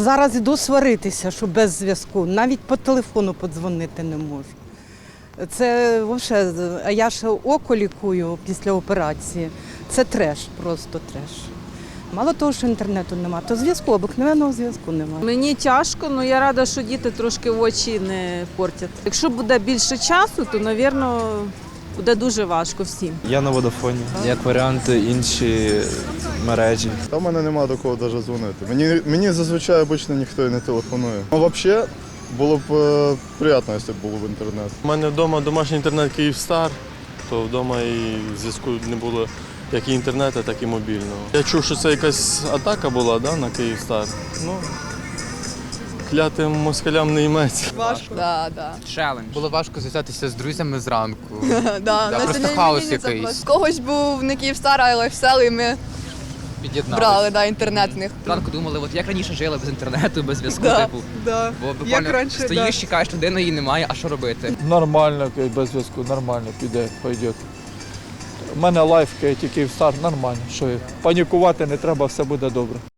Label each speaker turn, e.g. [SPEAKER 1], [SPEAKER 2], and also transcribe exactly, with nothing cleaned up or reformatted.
[SPEAKER 1] зараз іду сваритися, що без зв'язку. Навіть по телефону подзвонити не можу. Це взагалі, а я ще око лікую після операції. Це треш, просто треш. Мало того, що інтернету немає, то зв'язку, обикновеного зв'язку немає.
[SPEAKER 2] Мені тяжко, але я рада, що діти трошки очі не портять. Якщо буде більше часу, то, мабуть, буде дуже важко всім.
[SPEAKER 3] Я на Водафоні. Як варіант, інші мережі.
[SPEAKER 4] Та в мене немає до кого навіть дзвонити. Мені, мені зазвичай обично ніхто і не телефонує. Ну, взагалі, було б е, приємно, якщо б було б інтернет.
[SPEAKER 5] У мене вдома домашній інтернет Київстар, то вдома і зв'язку не було як і інтернету, так і мобільного. Я чув, що це якась атака була, да, на Київстар. Ну, клятим москалям не йметься.
[SPEAKER 6] Важко.
[SPEAKER 7] Да, да.
[SPEAKER 6] Челендж.
[SPEAKER 8] Було важко зв'язатися з друзями зранку.
[SPEAKER 7] Да,
[SPEAKER 8] Да,
[SPEAKER 7] на
[SPEAKER 8] просто
[SPEAKER 7] сьогодні
[SPEAKER 8] хаос
[SPEAKER 7] мені це
[SPEAKER 8] якийсь.
[SPEAKER 7] В когось був не Київстар, а Лайфсел, і ми
[SPEAKER 8] Під'єднали.
[SPEAKER 7] брали да, інтернет в них.
[SPEAKER 6] Зранку думали, от як раніше жили без інтернету, без зв'язку,
[SPEAKER 7] Да,
[SPEAKER 6] типу.
[SPEAKER 7] да.
[SPEAKER 6] Бо
[SPEAKER 7] Як
[SPEAKER 6] буквально
[SPEAKER 7] раніше,
[SPEAKER 6] стоїш,
[SPEAKER 7] да.
[SPEAKER 6] чекаєш людину, її немає, а що робити?
[SPEAKER 9] Нормально, без зв'язку, нормально піде, пойде. У мене лайф, тільки Київстар, нормально. Що, панікувати не треба, все буде добре.